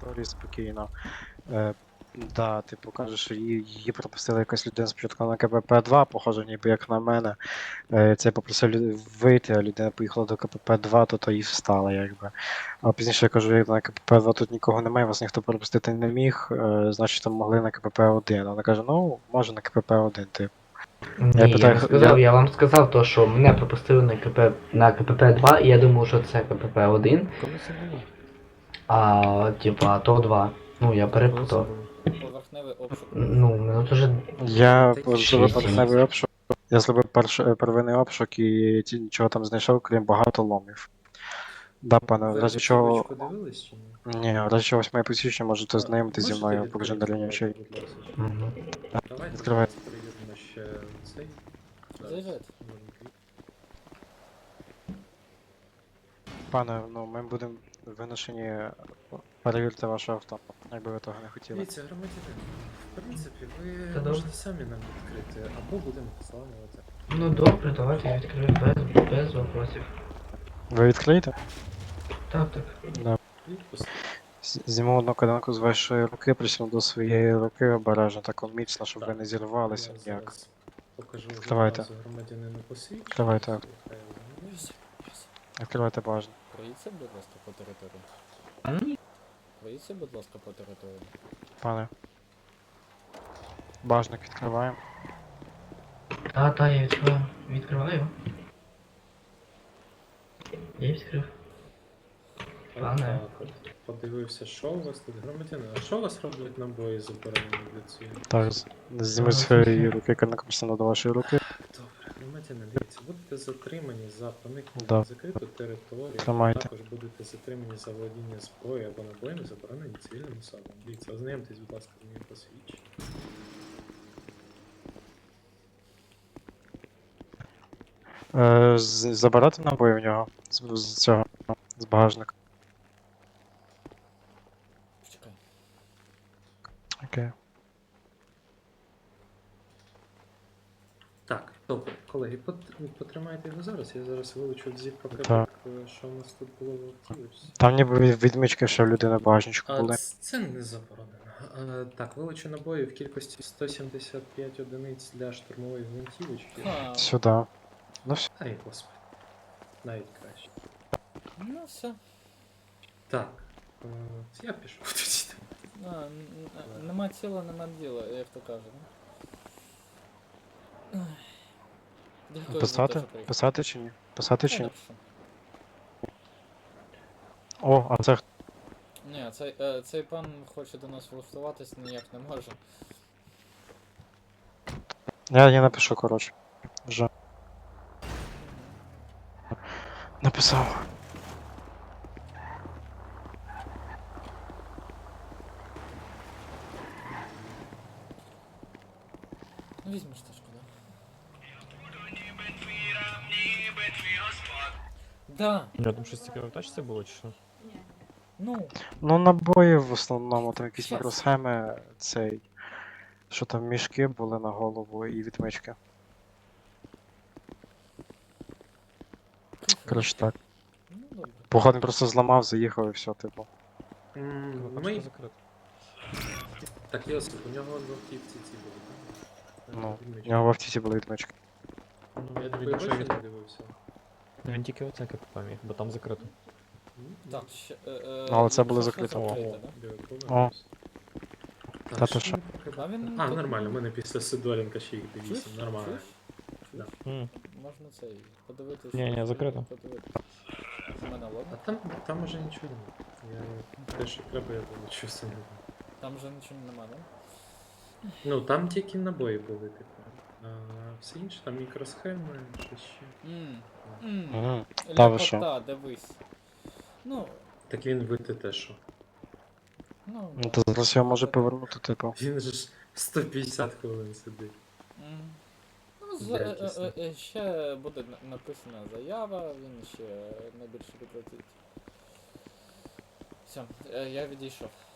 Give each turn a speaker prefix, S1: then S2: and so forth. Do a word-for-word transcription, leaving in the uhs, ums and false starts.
S1: території спокійно. Е, да, типу, кажеш, що її, її пропустила якась людина спочатку на КПП два, похоже, ніби як на мене. Е, це я попросив лю- вийти, а людина поїхала до КПП два, то то і встала, якби. А пізніше я кажу, як на КПП два тут нікого немає, вас ніхто пропустити не міг, е, значить там могли на КПП один. Вона каже, ну, може на КПП один, типу. Я
S2: Ні, я
S1: питаю,
S2: не
S1: х-
S2: сказав,
S1: я...
S2: я вам сказав то, що мене пропустили на КП на КПП два, і я думав, що це КПП один,
S3: Коли це було?
S2: а типа то два. Ну, я
S3: Коли це
S2: перепутав.
S3: було?
S4: Поверхневий обшук.
S2: Ну, минут уже
S1: Я
S5: Та
S1: зробив
S2: шість.
S1: перший обшук. Я зробив перший первинний обшук і ті- нічого там знайшов, крім багато ломів. Да, пане, в
S5: Ви
S1: разі чого.
S5: витівочку дивились чи ні?
S1: Ні, в разі чогось моє посвідчення можете
S5: А,
S1: знайомити зі
S5: можете
S1: мною
S5: відкрити,
S1: по режимі рівнячей.
S5: будь ласка?
S2: Мгм.
S5: Давайте
S1: Відкривай.
S5: зараз перевіримо ще цей. Зараз.
S4: Заїжджайте.
S1: Пане, ну ми будемо виношені. Перевірте ваше авто, якби ви того не хотіли.
S5: Дивіться, громадянин, в принципі, ви
S2: Та добре.
S5: можете самі нам відкрити, або будемо зламувати.
S2: Ну добре, давайте я відкрию без, без вопросів.
S1: Ви відкриєте?
S2: Так, так.
S1: Да.
S5: Відпуск.
S1: З- Зніму одну каданку з вашої руки, присну до своєї руки обережно, так міцно, щоб ви
S5: Так.
S1: не зірвалися
S5: Я
S1: ніяк.
S5: зараз покажу
S1: Відкривайте.
S5: відразу громадянину посвідчення.
S1: Відкривайте.
S5: Хай ознайомиться.
S1: Відкривайте бажано.
S4: Проїдьте, будь ласка, по території.
S2: М?
S4: Проїдьте, будь ласка, по території.
S1: Пане. Бажник відкриваємо.
S2: Та, та, я відкриваю. Відкриваю. Я відкрив. Пане.
S5: Так, от. Подивився, що у вас тут громадянин. А що у вас роблять набої заборонені для цього?
S1: Так, з- зніму з своєї руки каданку, присну до вашої руки.
S5: Добре, громадянин, дивіться, будете затримані за проникнення
S1: Да.
S5: на закриту територію,
S1: Тримайте.
S5: також будете затримані за володіння зброєю або набоями, заборонені цивільним особам. Дивіться, ознайомтесь, будь ласка, з моїм посвідченням.
S1: Е, з- забирати набої в нього з, з цього, з багажника.
S4: Чекай.
S1: Окей.
S5: Так, добре, колеги, пот- потримайте його зараз, я зараз вилучу в зіп пакетик,
S1: Так.
S5: е, що у нас тут було в автівочці.
S1: Там ніби від- відмічки, що в людини в багажничку
S5: А,
S1: були.
S5: ц- це не заборонено. А, так, вилучу набої в кількості сто сімдесят п'ять одиниць для штурмової гвинтівочки.
S4: Ха.
S1: Сюди. Ну все.
S5: Ай, господи. Навіть краще.
S4: Ну все.
S5: Так, е, я пішов тоді.
S4: А, н- н- нема тіла, нема діла, як то кажуть. Ай. Дякую за те,
S1: Писати?
S4: що приїхали.
S1: Писати чи ні? Писати чи
S4: Я
S1: ні?
S4: напишу.
S1: О, а це хто?
S4: Ні, цей, е, цей пан хоче до нас влаштуватись, ніяк не може.
S1: Я, я напишу, коротше. Вже. Написав.
S4: Ну візьмеш тачку, да? Да,
S3: Я там щось цікаве в тачці було чи що?
S4: ну,
S1: Ну, набої в основному, там якісь
S4: Щас.
S1: мікросхеми, цей. Що там мішки були на голову і відмички. Коротше так.
S4: ну добре.
S1: Походу просто зламав, заїхав і все, типу.
S5: М,
S3: Пачка
S5: Ми...
S3: закрита.
S5: Так, Йосип, у нього в автівці ці були, так?
S1: Ну,
S5: Відмічки.
S1: у нього в автівці були відмички.
S3: Ну,
S5: Я
S3: він,
S5: такої
S3: якщо
S5: бачу
S3: він,
S5: не дивився.
S3: він тільки оце КПП міг, бо там закрито.
S5: М,
S4: Так, ще, е, е,
S1: Ну, але це було
S4: що
S1: закрито.
S4: закрите, да?
S5: диви,
S1: О.
S5: повернувся.
S1: Та
S5: Так,
S1: ти
S5: що
S1: що?
S5: він покидав?
S4: А він
S5: А,
S4: тут-
S5: нормально, у мене після Сидоренка ще їх
S4: Чуєш?
S5: вісім, нормально.
S4: Чуєш?
S5: Да.
S3: М.
S4: Можна цей, подивитись.
S3: Ні, ні, закрито.
S4: Подивитись. У мене
S5: А
S4: ладно?
S5: там, там уже нічого немає. Я те, що треба, я вилучу самі.
S4: Там вже нічого нема, да?
S5: Ну, там тільки набої були, типу. А все інше, там мікросхеми, що ще.
S4: Ммм. Ммм.
S1: Мгм. Та ви що?
S4: Ляпота, дивись. Ну,
S5: Так він вити те, що.
S4: ну.
S1: Ну
S4: да.
S1: то зараз його може повернути, типу.
S5: Він же ж сто п'ятдесят хвилин сидить.
S4: Мгм. Ну, за, е,
S5: Якісно.
S4: е, е, ще буде на- написана заява, він ще найбільше прикратить. Все, е, я відійшов.